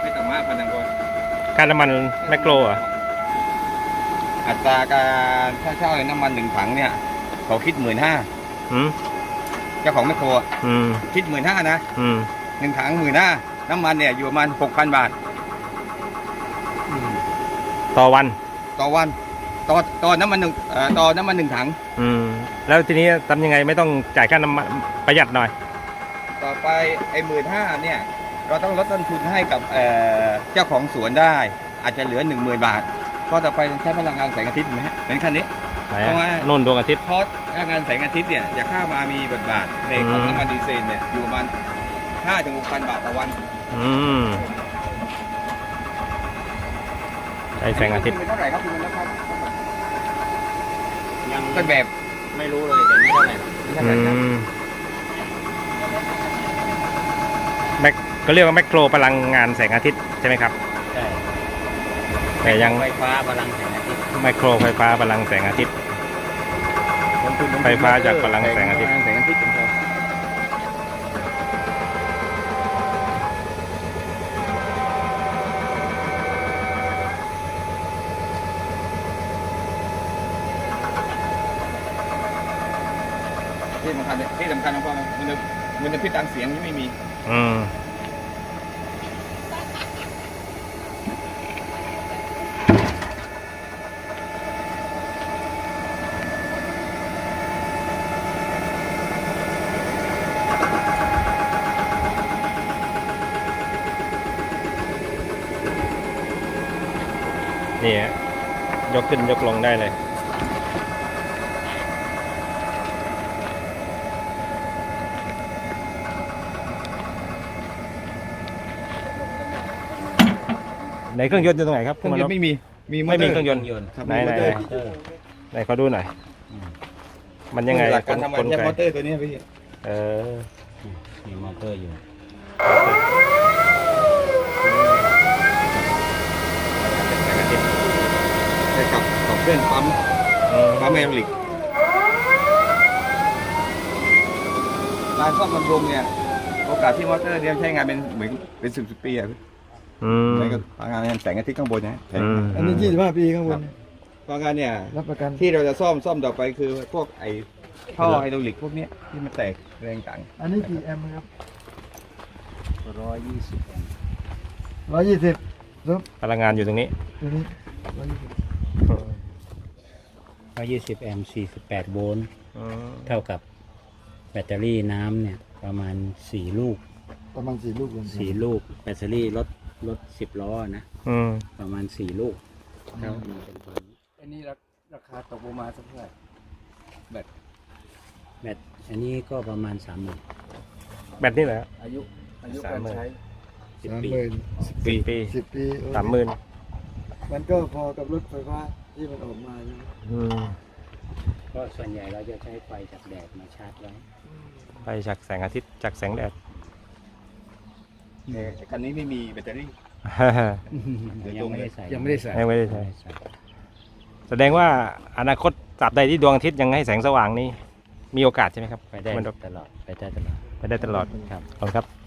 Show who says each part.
Speaker 1: ไม่ต่ำมากพันกว่า
Speaker 2: ค่าน้ำมันแมคโครเหรอ
Speaker 1: อัตราการค่าเช่าน้ำมัน1 ถังเนี่ยเขาคิด15,000
Speaker 2: อืม
Speaker 1: เจ้าของแมคโครคิด15,000นะ1 ถัง15,000น้ำมันเนี่ยอยู่ประมาณ6,000 บาท
Speaker 2: ต่อวัน
Speaker 1: ต่อวันต่อน้ำมันต่อน้ำมัน1 ถัง
Speaker 2: แล้วทีนี้ทำยังไงไม่ต้องจ่ายค่าน้ำมันประหยัดหน่อย
Speaker 1: ต่อไปไอ้15,000เนี่ยเราต้องลดต้นทุนให้กับเจ้าของสวนได้ อาจจะเหลือ 10,000 บาทเพราะต่อไปใช้พลังงานแสงอาทิตย์ไหมฮะเป็นคันนี้ เพราะว่า
Speaker 2: นุ่นดวงอาทิตย์
Speaker 1: เพราะพลังงานแสงอาทิตย์เนี่ยจะเข้ามามีบทบาทในของน้ำมันดีเซลเนี่ยอยู่ประมาณ5,000 ถึง 6,000 บาทต่อวัน
Speaker 2: ใช้แสงอาทิตย์
Speaker 1: เป็นเท่าไหร่ครับคุณนะครับ
Speaker 3: ยัง
Speaker 1: ต้นแบบ
Speaker 3: ไม่รู้เลยแต่ไม่เท่าไหร่
Speaker 1: เท่าไหร่ครับ
Speaker 2: แมคก็เรียกว่าแมคโครพลังงานแสงอาทิตย์ใช่ไหมครับ
Speaker 3: ใช่
Speaker 2: แต่ยัง
Speaker 3: ไฟฟ้าพลังแสงอาทิตย์
Speaker 2: ไมโครไฟฟ้าพลังแสงอาทิตย์ ไฟฟ้าจากพลังแสงอาทิตย์
Speaker 1: แสงอาทิตย์ของเราที่สำคัญของเรามันจะพิษทางเสียงที่ไม่มี
Speaker 2: นี่ฮะยกขึ้นยกลงได้เลยในเครื่องยนต์อยู่ตรงไหนครับ
Speaker 1: เครื่องยนต์ไม่มี
Speaker 2: ไม่มีเครื่องยนต์
Speaker 1: ครับ
Speaker 2: ไหน
Speaker 1: มี
Speaker 2: ไหน
Speaker 1: มอเตอร์
Speaker 2: ไหนขอดูหน่อย มันยังไง
Speaker 1: หลักการทำงานใช้มอเตอร์ตัวนี้พี่
Speaker 2: เออ
Speaker 3: มีมอเตอร์อยู่
Speaker 1: ใช้กับเครื่องปั๊มไฮดรอลิกการซ่อมบำรุงเนี่ยโอกาสที่มอเตอร์เนี่ยใช้งานเป็นเหมือนเป็น10 ปีอะเหมือนกับพลังงานแสงอาทิตย์ข้างบนนะ
Speaker 4: อันนี้25 ปีข้างบน
Speaker 1: พลังงานเนี่ย
Speaker 4: รับประกัน
Speaker 1: ที่เราจะซ่อมต่อไปคือพวกไอ้ท่อไฮดรอลิกพวกเนี้ยที่มันแตกแรงต่าง
Speaker 4: อันนี้กี่แอมป์ครับ
Speaker 3: 120 แอมป์
Speaker 4: 120ซุป
Speaker 2: พลังงานอยู่ตรงนี้
Speaker 4: ตัวนี้120
Speaker 3: 120 แอมป์ 48 โวลต์ เท่ากับแบตเตอรี่น้ำเนี่ยประมาณ4 ลูก
Speaker 4: ประมาณ4 ลูกรวม
Speaker 3: 4 ลูก แบตเตอรี่รถ10 ล้อนะ ประมาณ4 ลูกเท่านี้เป็นตัวนี้
Speaker 1: อันนี้ราคาตกประมาณสักเท่าไหร่
Speaker 3: แบตอันนี้ก็ประมาณ 30,000
Speaker 2: แบบนี้แหละ
Speaker 1: อายุการใช้
Speaker 3: 10 ปี
Speaker 2: 10 ปี
Speaker 4: 10 ปี
Speaker 2: 30,000
Speaker 4: มันก็พอกับรถไฟฟ้าที่มันออกมาใช่ไหม
Speaker 3: ก็ส่วนใหญ่เราจะใช้ไฟจากแดดมาชาร์จไว้
Speaker 2: ไปจากแสงอาทิตย์จากแสงแดด
Speaker 1: แต่คันนี้ไม่มีแบตเตอรี่
Speaker 3: ยังไม่ได้ใส่
Speaker 4: ยังไม่ได้ใส่
Speaker 2: ยังไม่ได้ใช้แสดงว่าอนาคตตราบใดที่ดวงอาทิตย์ยังให้แสงสว่างนี้มีโอกาสใช่ไหมครับ
Speaker 3: ไปได้
Speaker 2: มัน
Speaker 3: ตลอด ไปได้ตลอด
Speaker 2: ไปได้ตลอด
Speaker 3: ครับ
Speaker 2: ขอบคุณครับ